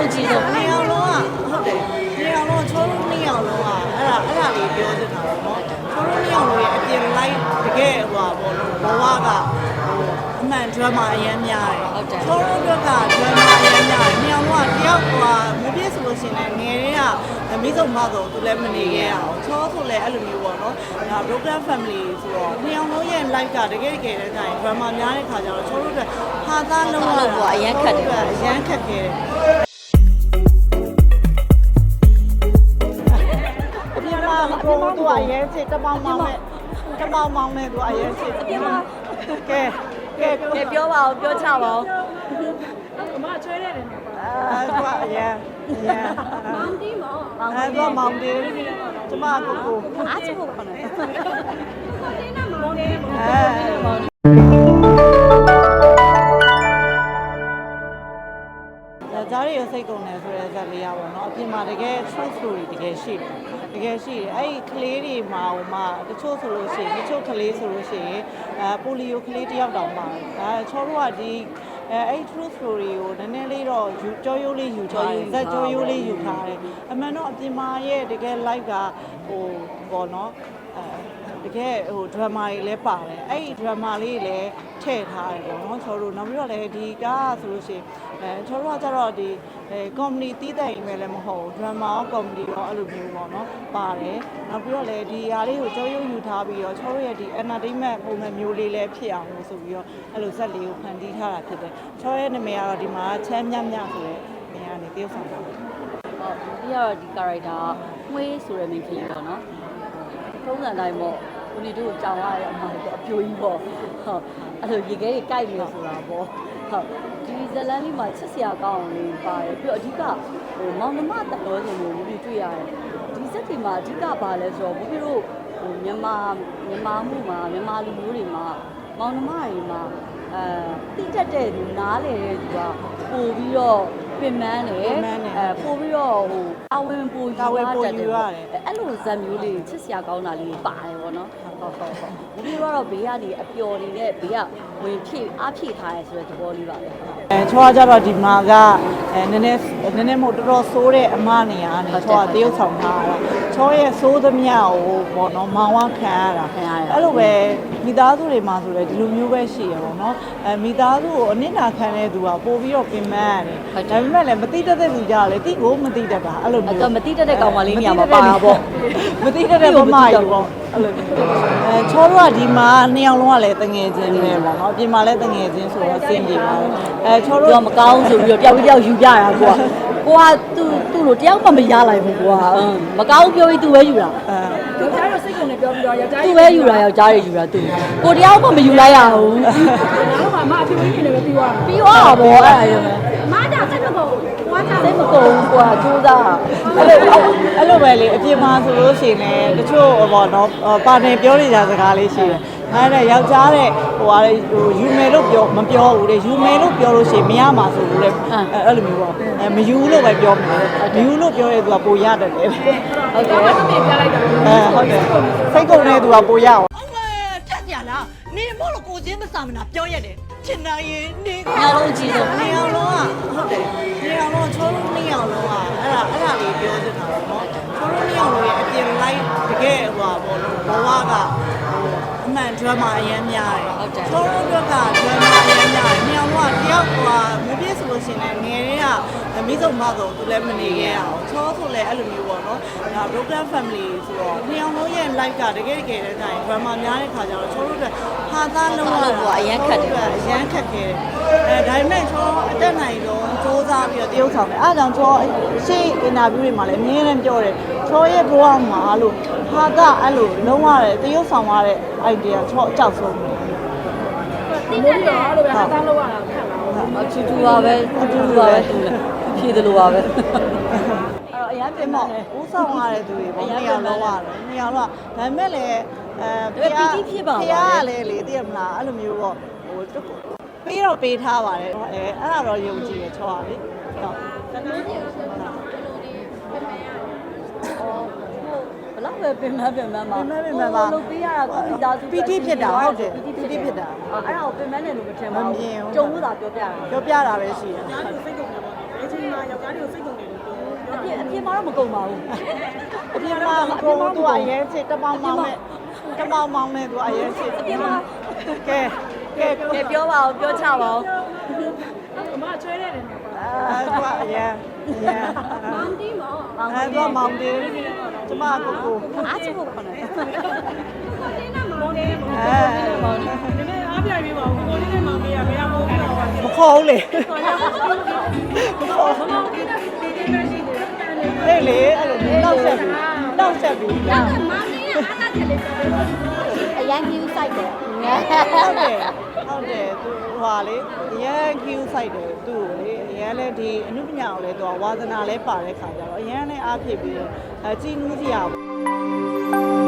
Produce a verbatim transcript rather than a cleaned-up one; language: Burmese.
လုံးကြီးဆုံးနေအောင်လုံးကဟုတ်တယ်နေအောင်လုံးချောလုံးနေအောင်လုံးကအဲ့ဒါအဲ့ဒါလေးပြောချင်တာပေါ့နော်ချောလုံးနေအောင်လုံးရဲ့အပြင် live တကယ်ဟိုပါဘောလုံးဘဝကဟိုအမှန် drama အရင်များတယ်ချောလုံးတို့က drama အရင်များတယ်နေအောင်လုံးကတယောက်ဟိုမပြည့်ဆိုလို့ရှိရင်ငယ်တွေကမိဆုံးမတော့သူလည်းမနေခဲ့ရအောင်ချောဆိုလည်းအဲ့လိုမျိုးပေါ့နော်ဒါ broken family ဆိုတော့နေအောင်လုံးရဲ့ live ကတကယ်တကယ်တည်းက drama များတဲ့ခါကျတော့ချောလုံးတို့ဟာသားလုံးဝအရင်ခက်တယ်အရင်ခက်ခဲ့တယ်ကိုသူအရင်ချစ်တပေါင်းမောင်းနဲ့တပေါင်းမောင်းနဲ့သူအရင်ချစ်ကဲကဲကဲပြောပါဦးပြောချပါဦးအမချွဲရတယ်နော်အဲသူအရင်အရင်မောင်တီးမောင်အဲသူမောင်တီးကျမကိုကိုအားချဖို့ခေါ်တယ်တင်းနာမောင်နေမောင်ကြားရစိတ်ကုန်တယ်ဆိုတဲ့ဇာတ်လေးရပါတော့အပြင်မှာတကယ် true story တကယ်ရှိတယ်တကယ်ရှိတယ်အဲ့ဒီကလေးတွေမှာဟိုမှာတချို့ဆိုလို့ရှိရင်တချို့ကလေးဆိုလို့ရှိရင်အဲပိုလီယိုကလေးတယောက်တောင်ပါတယ်အဲချောတို့ကဒီအဲအဲ့ true story ကိုနည်းနည်းလေးတော့ယူကြောရိုးလေးယူထားတယ်ဇက်ကြောရိုးလေးယူထားတယ်အမှန်တော့အပြင်မှာရဲ့တကယ် live ကဟိုပေါ့နော်အဲတကယ်ဟို drama တွေလည်းပါတယ်အဲ့ဒီ drama လေးလည်းထည့်ထားတယ်ပေါ့နော်ချောတို့နောက်ပြီးတော့လည်းဒီကဆိုလို့ရှိရင်အဲချောတို့ကကျတော့ဒီအဲ comedy တီးတဲ့အိမ်ပဲလည်းမဟုတ်ဘူး drama ရော comedy ရောအဲ့လိုမျိုးပေါ့နော်ပါတယ်နောက်ပြီးတော့လည်းဒီဟာလေးကိုကြောရိုးယူထားပြီးတော့ချောတို့ရဲ့ဒီ entertainment ပုံစံမျိုးလေးလည်းဖြစ်အောင်လို့ဆိုပြီးတော့အဲ့လိုဇက်လေးကိုဖန်တီးထားတာဖြစ်တယ်ချောရဲ့နာမည်ကတော့ဒီမှာချမ်းမြမြဆိုတဲ့နေရာနေတယောက်ဆောင်တာဟုတ်ပြီးတော့ဒီ character မွေးဆိုတဲ့ main character ပေါ့နော်ထုံးစံတိုင်းပေါ့ဦးလီတို့ကြောင်ရတဲ့အမှားပေါ့အပြိုကြီးပေါ့ဟုတ်အဲ့လိုရေခဲတွေကြိုက်နေဆိုတာပေါ့ဟုတ်ဒီဇလန်လေးမှာချစ်စရာကောင်းအောင်လေးပါတယ်ပြီးတော့အဓိကဟိုမောင်နှမတတော်စင်ကိုဦးလီတွေ့ရတယ်ဒီစက်တွေမှာအဓိကပါလဲဆိုတော့ဦးလီတို့ဟိုမြန်မာမြန်မာမှုမှာမြန်မာလူမျိုးတွေမှာမောင်နှမတွေမှာအဲတိကျတဲ့သူနားလေတဲ့သူကပို့ပြီးတော့ပြင်ပန်းတယ်အဲပို့ပြီးတော့ဟိုအဝင်ပို့ယူရတယ်အဲ့လိုဇက်မျိုးလေးချစ်စရာကောင်းတာလေးပါတယ်ပေါ့နော်ဟုတ်ဟုတ်ဟုတ်ဒီလိုကတော့ဘေးကနေအပျော်နေတဲ့ဘေးကဝင်ဖြည့်အားဖြည့်ထားရဲဆိုတဲ့သဘောလေးပါပဲအဲချောကကြတော့ဒီမှာကအဲနည်းနည်းနည်းနည်းမဟုတ်တော်တော်ဆိုးတဲ့အမနေရာကနေချောကတရုပ်ဆောင်ထားတာချောရဲ့ဆိုးသမျှကိုပေါ့နော်မောင်ဝခံရတာအဲ့လိုပဲမိသားစုတွေမှာဆိုလည်းဒီလိုမျိုးပဲရှိရပေါ့နော်အဲမိသားစုကိုအနစ်နာခံတဲ့သူကပို့ပြီးတော့ပြင်ပန်းရတယ်ဒါပေမဲ့လည်းမတိတတ်တဲ့သူကြလည်းတိကိုမတိတတ်တာအဲ့လိုမျိုးတော့မတိတတ်တဲ့ကောင်မလေးနေရာမှာပါတာပေါ့မတိတတ်တဲ့မမကြီးပေါ့အဲ့လိုအဲချောတို့ကဒီမှာနှစ်ယောက်လုံးကလည်းတငယ်ချင်းပဲပေါ့နော်အပြင်မှာလည်းတငယ်ချင်းဆိုတော့စင်ပြေပါတယ်အဲချောတို့ကမကောင်းဆိုပြီးတော့တယောက်တယောက်ယူပြတာကွာကိုကသူ့သူ့လိုတယောက်မှမရလိုက်ဘူးကွာမကောင်းပြောပြီးသူပဲယူတာအဲသူကြားတော့စိတ်ကုန်နေပြောပြီးတော့ယောက်ျားသူပဲယူတာယောက်ျားတွေယူတာသူကိုတယောက်မှမယူလိုက်ရဘူးနောက်မှမအဖြစ်ဖြစ်နေပဲပြီးသွားတာပြီးသွားတာပေါ့အဲ့ဒါရောမအားကြစိတ်မကုန်ဘွားကြစိတ်မကုန်ဘူးကွာကြိုးစားအဲ့လိုအဲ့လိုပဲလေအပြင်မှာဆိုလို့ရှိရင်လည်းတချို့ဟောနော်ပါနေပြောနေကြစကားလေးရှိတယ်အဲ့ဒါယောက်ျားတဲ့ဟိုဟာလေဟိုယူမယ်လို့ပြောမပြောဘူးလေယူမယ်လို့ပြောလို့ရှိရင်မရမှာဆိုလို့လေအဲ့လိုမျိုးပေါ့အဲမယူလို့ပဲပြောမယ်မယူလို့ပြောရဲသူကပိုရတယ်လေဟုတ်တယ်အဲ့ဒါပြလိုက်တာအဲဟုတ်တယ်စိတ်ကုန်တဲ့သူကပိုရအောင်အမေထက်ပြလားနေမို့လို့ကိုချင်းမစာမနာပြောရတယ်ချင်နိုင်ရင်နေညလုံးကြီးဆုံးနေအောင်လုံးကဟုတ်တယ်နေအောင်လုံးချောလုံးနေအောင်လုံးကအဲ့ဒါအဲ့ဒါလေးပြောချင်တာပေါ့နော်ချောလုံးနေအောင်လုံးရဲ့အပြင် live တကယ်ဟိုပါဘောလုံးဘဝကဟိုအမှန် drama အရင်များတယ်ချောလုံးတို့က drama အရင်များတယ်နေအောင်လုံးကတယောက်ဟိုမပြည့်ဆိုလို့ရှိရင်ငယ်တွေကမိဆုံးမတော့သူလည်းမနေခဲ့ရအောင်ချောဆိုလည်းအဲ့လိုမျိုးပေါ့နော်ဒါ broken family ဆိုတော့နေအောင်လုံးရဲ့ live ကတကယ်တကယ်တည်းက drama များတဲ့ခါကျတော့ချောတို့ကဟာသားလုံးဝအရင်ခက်တယ်အရင်ခက်ခဲ့တယ်အဲဒါပေမဲ့ချောအတက်နိုင်တော့စူးစမ်းပြီးတော့တရုပ်ဆောင်တယ်အားကြောင့်ချောရှေ့ interview တွေမှာလည်းအမြဲတမ်းပြောတယ်ချောရဲ့ဘဝမှာလို့ဟာသားအဲ့လိုလုံးဝတရုပ်ဆောင်ရတဲ့ idea ချောအကြောက်ဆုံးတယ်ဒီလိုရောအဲ့လိုပဲဟာသားလောက်ရတာခက်လာအချူချူပါပဲအချူချူပါပဲသူလည်းဖြည့်တယ်လို့ပါပဲအဲ့တော့အရင်ပြင်မောဦးဆောင်ရတဲ့သူတွေပေါ့နေရာလုံးရတယ်နေရာလုံးဒါပေမဲ့လည်းအဲဖျားဖျားလည်းလေသိရမလားအဲ့လိုမျိုးပေါ့ဟိုပေးတော့ပေးထားပါတယ်အဲအဲ့ဒါတော့ယုံကြည်ရချောပါလေဟုတ်ဘယ်လောက်ပဲပြင်မပြင်မမှာပြင်မပြင်မမှာလုပ်ပေးရတာကိုမိသားစုပီတိဖြစ်တာဟုတ်တယ်ပီတိဖြစ်တာအဲ့ဒါကိုပြင်မနဲ့လို့မထင်ပါဘူးကြုံလို့သာပြောပြတာပြောပြတာပဲရှိတယ်စိတ်ကုန်တယ်ပေါ့ဘယ်ချိန်မှာယောက်ျားတွေကိုစိတ်ကုန်တယ်လို့ပြောအပြစ်အပြစ်မှာတော့မကုန်ပါဘူးအပြင်မှာကိုသူအရင်ချစ်တပေါင်းမောင်းနဲ့တပေါင်းမောင်းနဲ့သူအရင်ချစ်အပြစ်မှာကဲကဲကဲပြောပါဦးပြောချပါဦးအမချွဲတဲ့နေမှာပါအဲသူကအရင်အရင်မောင်တီးမောင်အဲသူကမောင်းတယ်ကျမကိုကိုအားချဖို့ခေါ်တယ်တင်းနဲ့မောင်နဲ့မောင်အဲနည်းနည်းအားပြပြီးပါဦးကိုလေးနဲ့မောင်မေးရမရဘူးတော့ပါမခေါ်ဘူးလေမောင်တီးနဲ့တင်းနဲ့ရှိနေတယ်လေလေအဲ့လိုနောက်ဆက်ပြီးနောက်ဆက်ပြီးမောင်လေးကအားသားချက်လေးပြောတယ်အရန်ကြီးဆိုင်တယ်ဟုတ်တယ်ဟုတ်တယ်သူဟွာလေအရန် queue site တယ်သူ့ကိုလေအရန်လည်းဒီအနုပညာကိုလည်းသူကဝါသနာလည်းပါတဲ့ခါကြတော့အရန်လည်းအားဖြစ်ပြီးတော့အဲကြည်နူးစရာ